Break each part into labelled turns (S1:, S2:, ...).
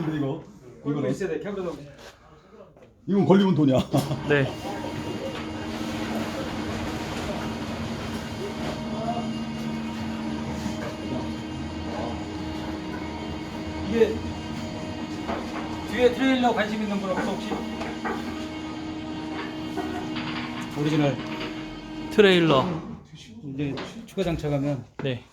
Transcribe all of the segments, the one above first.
S1: 돈인데 이거.
S2: 이거 있어야 돼. 캠프도.
S1: 이건 걸리면 돈이야.
S3: 네.
S2: 이게 뒤에 트레일러 관심 있는 분 없어 혹시? 오리지널
S3: 트레일러.
S2: 이제 추가 장착하면
S3: 네.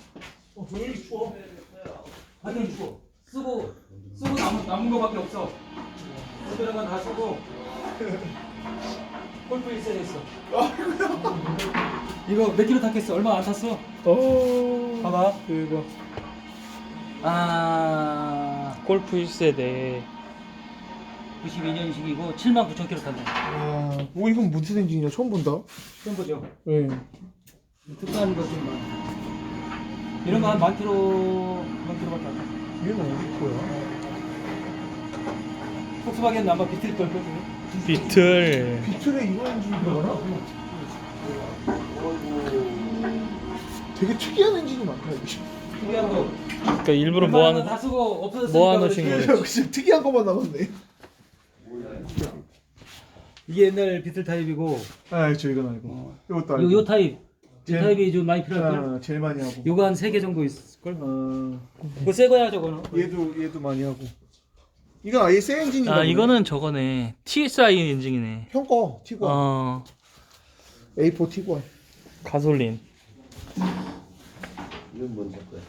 S2: 하여튼 쓰고 남은 거밖에 없어. 쓰는 건 다 쓰고 골프 있어야 있어. 이거 몇 킬로 탔겠어? 얼마 안 탔어?
S3: 오.
S2: 봐봐.
S3: 이거
S2: 아
S3: 골프 1세대.
S2: 92년식이고 79,000km 탔네.
S4: 아, 뭐 이건 무슨 엔진이냐? 처음 본다.
S2: 처음 보죠.
S4: 예.
S2: 특가하는 것좀 많아. 이런 거 한 만 킬로밖에 안 타.
S4: 얘는 어디 거야?
S2: 폭스바겐 아마 비틀 걸거든요.
S3: 비틀.
S4: 비틀에 이런 엔진이 들어가나? 되게 특이한 엔진이 많다 이게.
S2: 특이한 거.
S3: 그러니까 일부러
S2: 웬만하면 다 쓰고 없어졌으니까
S3: 모아놓으신
S2: 그렇지.
S3: 거예요.
S4: 진짜 특이한 것만 남았네.
S2: 이게 옛날 비틀 타입이고
S4: 아, 저 이건 알고. 이것도 알고.
S2: 요 타입
S4: 제일-
S2: 타입이 좀 많이 필요할 걸.
S4: 아, 제일 많이 하고.
S2: 요거 한 3개 정도 있을 걸.
S4: 어,
S2: 그거 새 거야 저거는.
S4: 얘도 많이 하고. 이건 아예 새 엔진이다.
S3: 아 이거는 저거네. TSI 엔진이네.
S4: 형 거, 티구안.
S3: 어
S4: A4 티구안.
S3: 가솔린.
S5: 이건 뭔지 거야?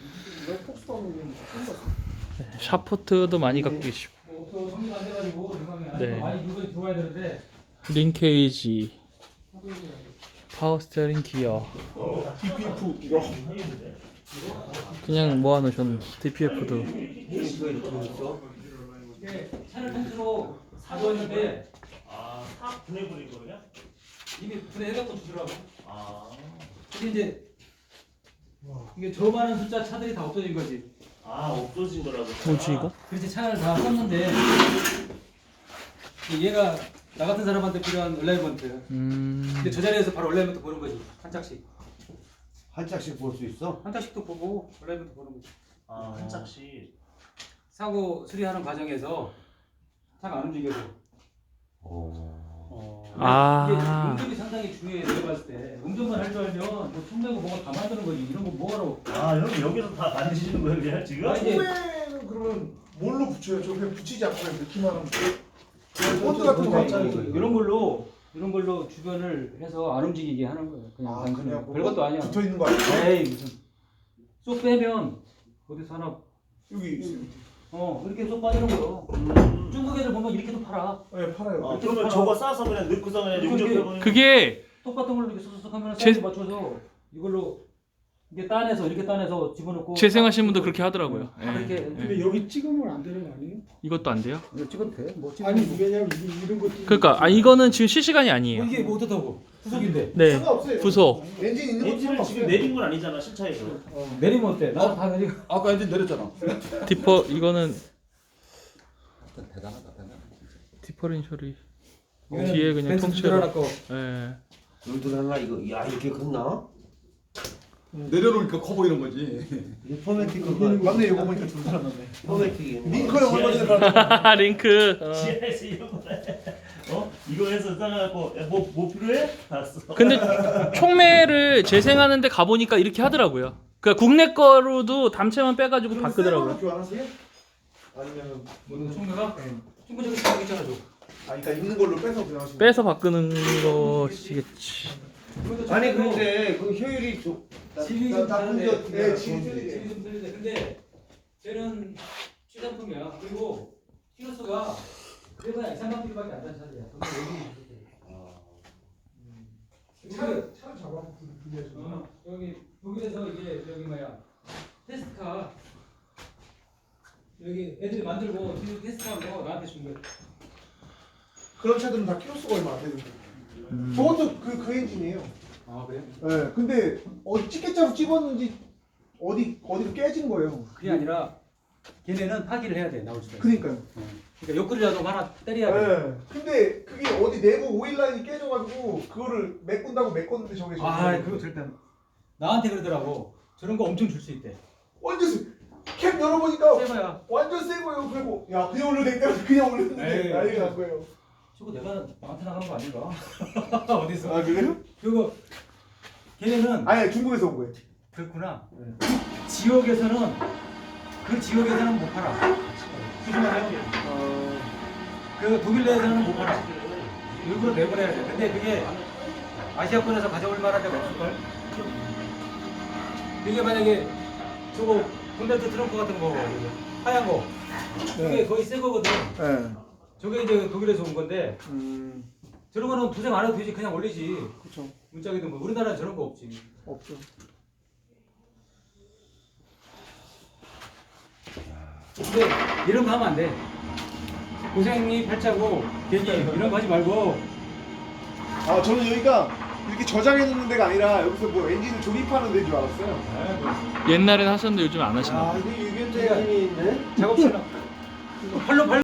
S3: 샤프트도 많이 갖고 계시고.
S2: 또 정리가 안 돼가지고
S3: 네.
S2: 많이 물건이 들어와야 되는데.
S3: 링케이지. 파워 스티어링 기어.
S4: DPF 이거.
S3: 그냥 모아놓으셨네. DPF도.
S2: 이게 차를 통째로 사줬는데
S5: 다 분해버린 거냐?
S2: 이미 분해해갖고 주더라고.
S5: 아,
S2: 근데 이제 이게 저 많은 숫자 차들이 다 없어진 거지.
S5: 없어진 거라고.
S3: 뭐지 이거?
S2: 그렇지 차를 다 썼는데 얘가 나 같은 사람한테 필요한 얼라이먼트. 근데 저 자리에서 바로 얼라이먼트 보는 거지. 한 짝씩.
S5: 한 짝씩 볼 수 있어?
S2: 한 짝씩도 보고 얼라이먼트 보는 거지.
S5: 한 짝씩.
S2: 사고 수리하는 과정에서 차가 안 움직여서.
S3: 아.
S2: 이게 운전이 상당히 중요해. 내가 봤을 때 운전만 할 줄 알면 뭐 총내고 뭐가 다 만드는 거지. 이런 거 뭐하러.
S5: 형 여기서 다 만드시는 거예요, 그냥 지금?
S2: 아, 이제
S4: 소매는 그러면 뭘로 붙여요? 저 그냥 붙이지 않고 그냥 넣기만 하면 본드 같은 거
S2: 갑자기
S4: 없잖아요.
S2: 이런 걸로 주변을 해서 안 움직이게 하는 거예요. 그냥
S4: 아,
S2: 단순히.
S4: 그냥
S2: 별것도 아니야.
S4: 붙어 있는 거 아니야?
S2: 에이 무슨 쏙 빼면 어디서 하나
S4: 여기 있어요.
S2: 이렇게 쏙 빠지는 거요. 중국 애들 보면 이렇게도 팔아.
S4: 네, 팔아요.
S5: 그러면 저거 싸서 그냥 넣고서 그냥 용접해버리는
S3: 그게
S2: 똑같은 걸로 이렇게 쏙쏙 하면
S3: 제-
S2: 사이즈 맞춰서 이걸로 이게 따내서 이렇게 따내서 집어넣고.
S3: 재생하시는 분도 그렇게 하더라고요.
S2: 다 그렇게.
S3: 예.
S6: 근데 여기 찍으면 안 되는 거 아니에요?
S3: 이것도 안 돼요?
S2: 이거 찍어도 돼? 뭐 찍어?
S6: 아니 왜냐면 이런 거
S3: 그러니까 이거는 지금 실시간이 아니에요.
S2: 이게 뭐 어떻다고? 후속인데.
S3: 네.
S4: 상관없어요.
S3: 부속.
S4: 엔진 있는 거
S5: 엔진을 지금 내린 건 아니잖아, 실차에서.
S2: 내리면 어때? 나다 내리고.
S1: 아까 엔진 내렸잖아.
S3: 디퍼 이거는
S1: 대단하다.
S3: 디퍼렌셜이
S2: 이거는
S3: 뒤에 그냥
S2: 벤츠
S3: 통째로.
S2: 하나 거.
S3: 예.
S5: 여기도 하나 이거, 야, 이렇게 컸나?
S1: 내려놓으니까 커 보이는 거지.
S5: 이 포매틱
S4: 맞네, 이거 보니까 두 사람 맞네.
S5: 포매틱이.
S4: 링크 형 얼마 전에 봤잖아.
S3: 링크.
S5: 지하에서 이런 거래. 이거 해서 싸갖고, 뭐 필요해? 알았어.
S3: 근데 총매를 재생하는데 가보니까 이렇게 하더라고요. 그러니까 국내 거로도 담채만 빼가지고 바꾸더라고요.
S4: 교환하세요? 아니면
S2: 뭐는 총무가? 총무 저기 다 있잖아 저.
S4: 그러니까 있는 걸로 빼서 그냥 하시는
S3: 빼서 바꾸는 것이겠지.
S5: 아니, 근데 그 효율이 좀.
S2: 질이
S4: 나-
S2: 좀
S4: 나
S2: 다른데.
S4: 먼저- 네,
S2: 질이
S4: 질이
S2: 좀 틀린데. 근데 쟤는 최상품이야. 그리고 키로수가 그래봐야 2, 3만 킬로밖에 안 타는 차들이야.
S6: 차를 잡아서 분리해서
S2: 여기 독일에서 이게 저기 뭐야 테스트카 여기 애들이 만들고 뒤에 테스트한 거 나한테 준 거야.
S4: 그런 차들은 다 키로수가 얼마 안 되는데. 저것도 그 엔진이에요.
S2: 아 그래?
S4: 네, 근데 찌개짜로 찝었는지 어디로 깨진 거예요.
S2: 그게 아니라 걔네는 파기를 해야 돼 나올 때.
S4: 그니까요.
S2: 그러니까 옆구리라도 하나 때려야 돼.
S4: 네. 근데 그게 어디 내부 오일 라인이 깨져가지고 그거를 메꾼다고 메꿨는데 저게
S2: 아 그거 절대 안- 나한테 그러더라고. 저런 거 엄청 줄 수 있대.
S4: 언제 캡 열어보니까
S2: 새 거야.
S4: 완전 새 거예요. 그리고 야 그냥 올려도 그냥 올렸는데
S2: 에이.
S4: 난리가 난 거예요.
S2: 저거 내가 나한테 나간 거 아닌가? 어디서?
S4: 아 그래요?
S2: 그거 걔네는
S4: 아니 중국에서 온 거예요.
S2: 그렇구나. 지역에서는 그 지역에서는 못 팔아. 조심하세요. 그 독일 내에서는 못 팔아. 일부러 내보내야 돼. 근데 그게 아시아권에서 가져올 만한 데가 없을걸? 이게 만약에 저거 본네트 트렁크 같은 거 하얀 거 그게 거의 새 거거든.
S4: 네.
S2: 저게 이제 독일에서 온 건데
S4: 음.
S2: 저런 거는 도색 안 해도 되지. 그냥 올리지.
S4: 그렇죠.
S2: 문짝이든 뭐 우리나라는 저런 거 없지.
S4: 없죠.
S2: 근데 이런 거 하면 안 돼. 고생이 팔자고 괜히 이런 거 하지 말고.
S4: 아 저는 여기가 이렇게 저장해 놓는 데가 아니라 여기서 뭐 엔진을 조립하는 데인 줄 알았어요.
S3: 옛날엔 하셨는데 요즘 안 하시나 봐요.
S4: 이게 유견재 힘이 있네.
S2: 작업실로 팔로